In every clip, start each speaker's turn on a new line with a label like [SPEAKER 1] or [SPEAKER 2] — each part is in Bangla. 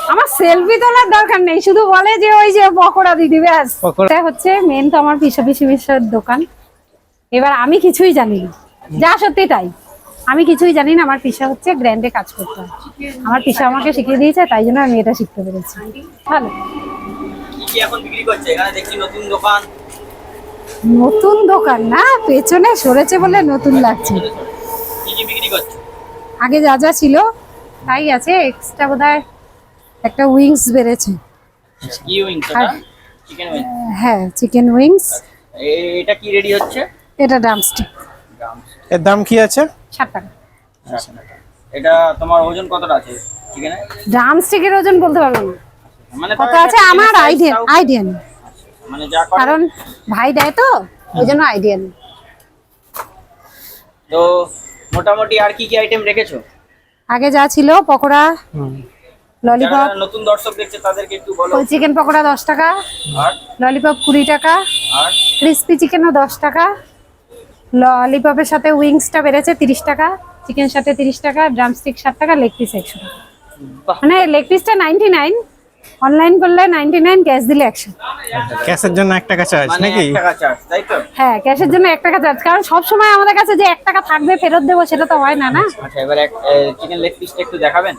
[SPEAKER 1] আমার সেলফি তোলার দরকার নেই, শুধু বলে যে ওই যে পকোড়া দিদি ব্যাস। এটা হচ্ছে মেন তো আমার পিসা পিসির দোকান। এবার আমি কিছুই জানি না, যা সত্যি তাই। আমি কিছুই জানি না, আমার পিসা হচ্ছে গ্র্যান্ডে কাজ করতে হয়। আমার পিসা আমাকে শিখিয়ে দিয়েছে, তাই জন্য আমি এটা শিখতে পেরেছি। ভালো।
[SPEAKER 2] কি এখন বিক্রি করছে এখানে দেখছি নতুন দোকান?
[SPEAKER 1] নতুন দোকান না, পেছনে সরেছে বলে নতুন লাগছে।
[SPEAKER 2] কি কি বিক্রি করছে?
[SPEAKER 1] আগে যা যা ছিল তাই আছে, এক্সট্রা বোধহয় একটা উইংস বেড়েছে।
[SPEAKER 2] কি উইংস? এটা চিকেন উইংস?
[SPEAKER 1] হ্যাঁ, চিকেন উইংস।
[SPEAKER 2] এটা কি রেডি হচ্ছে?
[SPEAKER 1] এটা ড্রামস্টিক।
[SPEAKER 3] এর দাম কি আছে?
[SPEAKER 1] 60 টাকা।
[SPEAKER 2] এটা তোমার ওজন কতটা আছে চিকেনে?
[SPEAKER 1] ড্রামস্টিকের ওজন বলতে পারবো না,
[SPEAKER 2] মানে
[SPEAKER 1] কত আছে আমার আইডিয়া নেই,
[SPEAKER 2] মানে যা করে
[SPEAKER 1] কারণ ভাই দেয় তো ওই জন্য আইডিয়া নেই।
[SPEAKER 2] তো মোটামুটি আর কি কি আইটেম রেখেছো?
[SPEAKER 1] আগে যা ছিল পকোড়া, ললিপপ।
[SPEAKER 2] যারা নতুন দর্শক দেখছে তাদেরকে একটু বলো।
[SPEAKER 1] ওই চিকেন পকোড়া 10 টাকা,
[SPEAKER 2] আর
[SPEAKER 1] ললিপপ 20 টাকা,
[SPEAKER 2] আর
[SPEAKER 1] ক্রিস্পি চিকেনও 10 টাকা, ললিপপের সাথে উইংসটা বেড়েছে 30 টাকা, চিকেন সাথে 30 টাকা, ড্রামস্টিক 60 টাকা, লেগ পিস 100 টাকা।
[SPEAKER 2] বাহ,
[SPEAKER 1] মানে লেগ পিসটা 99, অনলাইন করলে 99, ক্যাশ দিলে 100।
[SPEAKER 3] ক্যাশের জন্য 1 টাকা চার্জ
[SPEAKER 2] মানে
[SPEAKER 3] নাকি?
[SPEAKER 2] 1 টাকা চার্জ, তাই তো?
[SPEAKER 1] হ্যাঁ, ক্যাশের জন্য 1 টাকা চার্জ, কারণ সব সময় আমাদের কাছে যে 1 টাকা থাকবে ফেরত দেবো সেটা তো হয় না। না,
[SPEAKER 2] আচ্ছা, এবার চিকেন লেগ পিসটা একটু দেখাবেন?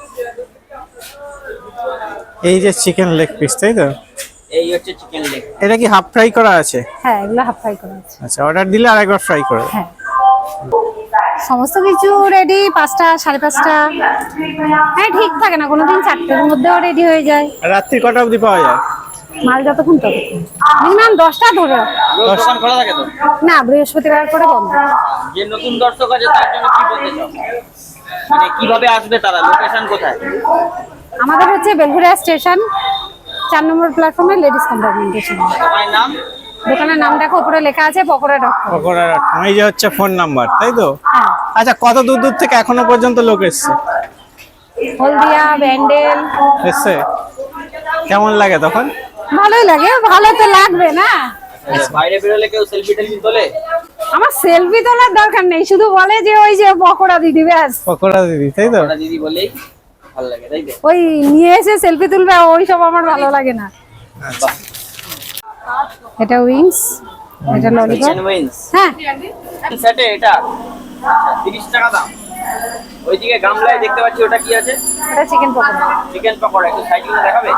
[SPEAKER 3] এই যে চিকেন লেগ পিস, তাই তো?
[SPEAKER 2] এই হচ্ছে চিকেন লেগ।
[SPEAKER 3] এটা কি হাফ ফ্রাই করা আছে?
[SPEAKER 1] হ্যাঁ, এগুলো হাফ ফ্রাই করা আছে।
[SPEAKER 3] আচ্ছা, অর্ডার দিলে আরেকবার ফ্রাই করে দেব।
[SPEAKER 1] হ্যাঁ, সমস্ত কিছু রেডি 5টা 5:30। হ্যাঁ, ঠিক থাকে না, কোনোদিন 4টের মধ্যেও রেডি হয়ে যায়।
[SPEAKER 3] আর রাত্রি কটা অবধি পাওয়া যায়?
[SPEAKER 1] মাল যতক্ষণ ততক্ষণ, মিনিমাম 10টা ধরে রাখো।
[SPEAKER 2] রোজ দোকান খোলা থাকে তো?
[SPEAKER 1] না, বৃহস্পতিবার করে বন্ধ।
[SPEAKER 2] যে নতুন দর্শক আছে তার জন্য কি বলতে চাও? মানে কিভাবে আসবে তারা? লোকেশন কোথায়?
[SPEAKER 1] আমাদের হচ্ছে বেলঘুরিয়া স্টেশন, 4 নম্বর প্ল্যাটফর্মে লেডিস কম্পার্টমেন্টেশন।
[SPEAKER 2] দোকানের নাম?
[SPEAKER 1] দোকানের নাম দেখো, উপরে লেখা আছে পকোড়া ডক্টর।
[SPEAKER 3] পকোড়ার এই যে হচ্ছে ফোন নাম্বার, তাই তো?
[SPEAKER 1] হ্যাঁ,
[SPEAKER 3] আচ্ছা, কত দূর দূর থেকে এখনো পর্যন্ত লোক এসছে?
[SPEAKER 1] হলদিয়া, ব্যান্ডেল।
[SPEAKER 3] এসছে? কেমন লাগে তখন?
[SPEAKER 1] ভালোই লাগে, ভালো তো লাগবে না।
[SPEAKER 2] বাইরে বেরোলে কেউ সেলফি টেলফি তোলে?
[SPEAKER 1] আমার সেলফি তোলার দরকার নেই, শুধু বলে যে ওই যে পকোড়া দিদি ব্যাস।
[SPEAKER 3] পকোড়া দিদি, তাই তো?
[SPEAKER 2] ওরা দিদি বলেই ভালো লাগে, তাই তো?
[SPEAKER 1] ওই নিয়ে এসে সেলফি তুলবে, ওই সব আমার ভালো লাগে না।
[SPEAKER 2] বাহ,
[SPEAKER 1] এটা উইংস, এটা ললিপপ।
[SPEAKER 2] চিকেন উইংস
[SPEAKER 1] হ্যাঁ,
[SPEAKER 2] সেটে এটা আচ্ছা 30 টাকা দাম। ওইদিকে গামলায় দেখতে পাচ্ছি, ওটা কি আছে?
[SPEAKER 1] এটা চিকেন পকোড়া।
[SPEAKER 2] চিকেন পকোড়া, একটু সাইড করে দেখাবে?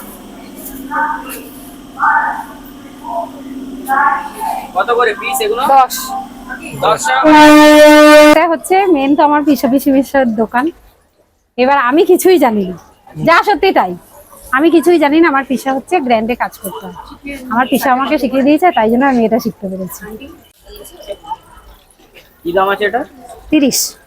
[SPEAKER 2] কত করে পিস এগুলো?
[SPEAKER 1] 10।
[SPEAKER 2] 10 টাকা।
[SPEAKER 1] এটা হচ্ছে মেন তো আমার পিসা পিসির দোকান। এবার আমি কিছুই জানি না, যা সত্যি তাই। আমি কিছুই জানি না, আমার পিসা হচ্ছে গ্র্যান্ডে কাজ করতে হয়। আমার পিসা আমাকে শিখিয়ে দিয়েছে, তাই জন্য আমি এটা শিখতে পেরেছি।
[SPEAKER 2] কি দাম আছে এটা?
[SPEAKER 1] 30।